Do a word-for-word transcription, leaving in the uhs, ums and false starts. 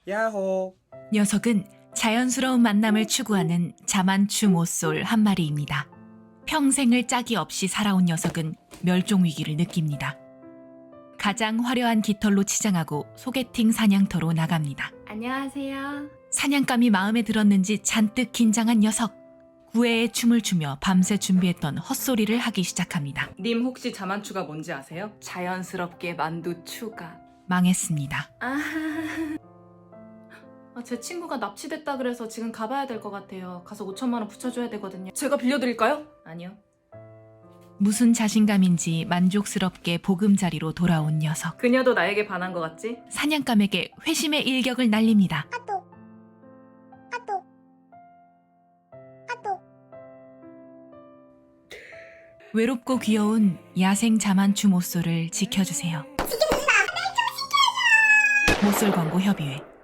야호. 녀석은 자연스러운 만남을 추구하는 자만추 모쏠 한 마리입니다. 평생을 짝이 없이 살아온 녀석은 멸종 위기를 느낍니다. 가장 화려한 깃털로 치장하고 소개팅 사냥터로 나갑니다. 안녕하세요. 사냥감이 마음에 들었는지 잔뜩 긴장한 녀석. 구애의 춤을 추며 밤새 준비했던 헛소리를 하기 시작합니다. 님 혹시 자만추가 뭔지 아세요? 자연스럽게 만두 추가. 망했습니다. 아... 아, 제 친구가 납치됐다 그래서 지금 가봐야 될 것 같아요. 가서 오천만 원 붙여줘야 되거든요. 제가 빌려드릴까요? 아니요. 무슨 자신감인지 만족스럽게 보금자리로 돌아온 녀석. 그녀도 나에게 반한 것 같지? 사냥감에게 회심의 일격을 날립니다. 외롭고 귀여운 야생 자만추 모쏠을 지켜주세요. 모쏠 광고 협의회